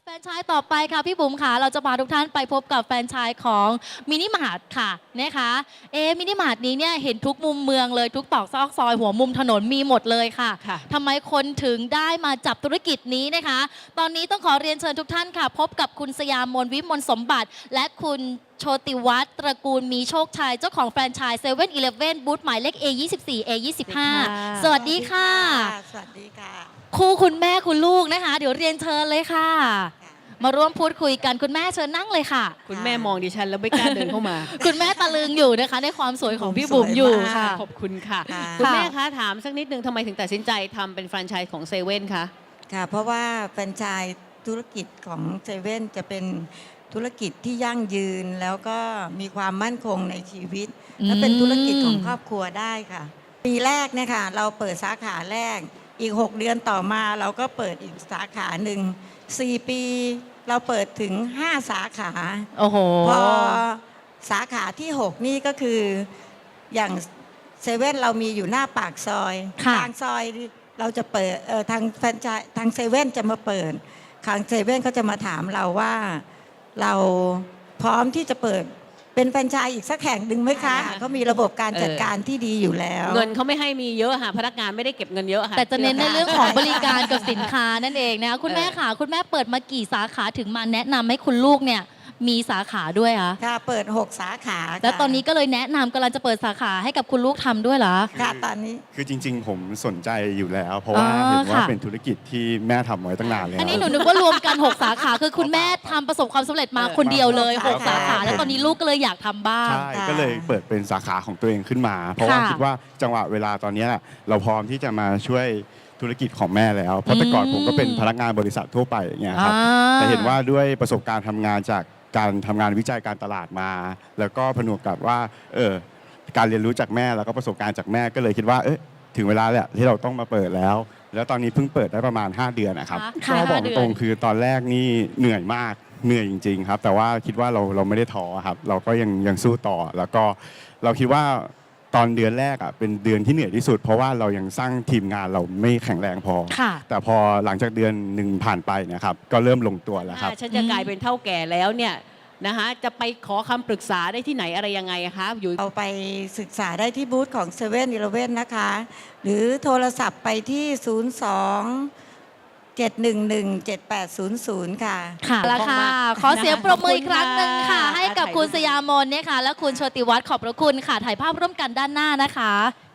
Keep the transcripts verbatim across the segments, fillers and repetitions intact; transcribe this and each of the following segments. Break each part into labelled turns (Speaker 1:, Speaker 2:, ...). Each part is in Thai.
Speaker 1: แฟรนไชส์ต่อไปค่ะพี่บุ๋มค่ะเราจะพาทุกท่านไปพบกับแฟรนไชส์ของมินิมาร์ทค่ะนะคะเอมินิมาร์ทนี้เนี่ยเห็นทุกมุมเมืองเลยทุกตอกซอกซอยหัวมุมถนนมีหมดเลยค่ะ
Speaker 2: ค่ะ
Speaker 1: ทำไมคนถึงได้มาจับธุรกิจนี้นะคะ ตอนนี้ต้องขอเรียนเชิญทุกท่านค่ะ พบกับคุณสยามมนวิมลสมบัติ และคุณโชติวัฒน์ตระกูลมีโชคชัยเจ้าของแฟรนไชส์เซเว่นอีเลฟเว่นบูธหมายเลข เอ ยี่สิบสี่ เอ ยี่สิบห้า สวัสดีค่ะ
Speaker 3: สวัสดีค่ะ
Speaker 1: คู่คุณแม่คุณลูกนะคะ เดี๋ยวเรียนเชิญเลยค่ะ มาร่วมพูดคุยกันคุณแม่เชิญนั่งเลยค่ะ
Speaker 2: คุณแม่มองดิฉันแล้วไม่กล้าเดินเข้ามา
Speaker 1: คุณแม่ตะลึงอยู่นะคะในความสวยของพี่บุ๋มอยู่ค่ะ
Speaker 2: ขอบคุณค่ะ
Speaker 3: ค่ะ
Speaker 2: คุณแม่คะถามสักนิดนึงทำไมถึงตัดสินใจทำเป็นแฟรนไชส์ของเซเว่นคะ
Speaker 3: ค่ะ เพราะว่าแฟรนไชส์ธุรกิจของเซเว่นจะเป็นธุรกิจที่ยั่งยืนแล้วก็มีความมั่นคงในชีวิต และเป็นธุรกิจของครอบครัวได้ค่ะ ปีแรกเนี่ยค่ะเราเปิดสาขาแรกอีก หก เดือนต่อมาเราก็เปิดอีกสาขาหนึ่งสี่ปีเราเปิดถึงห้าสาขา
Speaker 1: โอ้โห
Speaker 3: พอสาขาที่ หก นี่ก็คืออย่างเซเว่นเรามีอยู่หน้าปากซอย
Speaker 1: ค่ะ
Speaker 3: ทางซอยเราจะเปิดเอ่อทางแฟรนไชส์ทางเซเว่นจะมาเปิดทางเซเว่นก็จะมาถามเราว่าเราพร้อมที่จะเปิดเป็นแฟรนไชส์อีกสักแห่งหนึ่งไหมคะเขามีระบบการจัดการที่ดีอยู่แล้ว
Speaker 2: เงินเขาไม่ให้มีเยอะค่ะพนักงานไม่ได้เก็บเงินเยอะค่ะ
Speaker 1: แต่จะเน้นในเรื่องของบริการกับสินค้านั่นเองนะคะคุณแม่ค่ะคุณแม่เปิดมากี่สาขาถึงมาแนะนำให้คุณลูกเนี่ยมีสาขาด้วยคะ
Speaker 3: ค่ะเปิด หก สาขาค่ะ
Speaker 1: แล้วตอนนี้ก็เลยแนะนำกำลังจะเปิดสาขาให้กับคุณลูกทำด้วยเหรอ
Speaker 3: ค่ะตอนนี้
Speaker 4: คือจริงๆ ผมสนใจอยู่แล้ว เพราะว่า
Speaker 1: อ๋อ
Speaker 4: เห็นว่า
Speaker 1: ค่ะ
Speaker 4: เป็นธุรกิจที่แม่ทำไว้ตั้งนานแล้ว
Speaker 1: อันนี้หนูนึกว่ารวมกัน หก สาขาคือคุณแม่ทำประสบความสำเร็จมาคนเดียวเลย
Speaker 3: ครับ
Speaker 1: หก สาขา แล้วตอนนี้ลูกก็เลยอยากทำบ้าง
Speaker 4: ใช่
Speaker 3: ค่ะ
Speaker 4: ก็เลยเปิดเป็นสาขาของตัวเองขึ้นมา เพราะว่า
Speaker 1: ค่ะ
Speaker 4: คิดว่าจังหวะเวลาตอนนี้เราพร้อมที่จะมาช่วยธุรกิจของแม่แล้ว เพราะแต่ก่อนผมก็เป็นพนักงานบริษัททั่วไปอย่างเงี้ยครับ
Speaker 1: อ่า
Speaker 4: แต่เห็นว่าด้วยประสบการณ์ทำงานจากการทำงานวิจัยการตลาดมา แล้วก็ผนวกกับว่าเออการเรียนรู้จากแม่แล้วก็ประสบการณ์จากแม่ก็เลยคิดว่าเอ๊ะถึงเวลาแหละที่เราต้องมาเปิดแล้ว แล้วตอนนี้เพิ่งเปิดได้ประมาณ ห้า เดือนนะครับ
Speaker 1: ค่ะ
Speaker 4: ก็บอก
Speaker 1: ห้าเดือน
Speaker 4: ตรงๆคือตอนแรกนี่เหนื่อยมากเหนื่อยจริง ๆ ครับ แต่ว่าคิดว่าเราเราไม่ได้ท้อครับเราก็ยังยังสู้ต่อ แล้วก็เราคิดว่าตอนเดือนแรกอ่ะเป็นเดือนที่เหนื่อยที่สุด เพราะว่าเรายังสร้างทีมงานเราไม่แข็งแรงพอ
Speaker 1: ค่ะ
Speaker 4: แต่พอหลังจากเดือนหนึ่งผ่านไปนะครับก็เริ่มลงตัวแล้วครับ
Speaker 2: ถ้าฉันจะกลายเป็นเท่าแก่แล้วเนี่ยนะคะจะไปขอคำปรึกษาได้ที่ไหนอะไรยังไงคะอยู่
Speaker 3: เอาไปศึกษาได้ที่บูธของเซเว่นอีเลฟเว่นนะคะ หรือโทรศัพท์ไปที่ ศูนย์ สอง เจ็ด หนึ่ง หนึ่ง เจ็ด แปด ศูนย์ ศูนย์ ค่ะ
Speaker 1: ค่ะแล้วค่ะ ขอเสียงปรบมืออีกครั้งหนึ่งค่ะ
Speaker 2: ขอบคุณค่ะ
Speaker 1: ให้กับคุณสยามนเนี่ยค่ะ และคุณโชติวัฒน์ขอบพระคุณค่ะ ถ่ายภาพร่วมกันด้านหน้านะคะ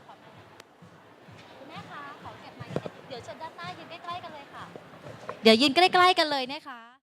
Speaker 1: คุณแม่คะขอเก็บไมค์เดี๋ยวเชิญด้านหน้ายืนใกล้ๆกันเลยค่ะ เดี๋ยวยืนใกล้ๆกันเลยนะคะ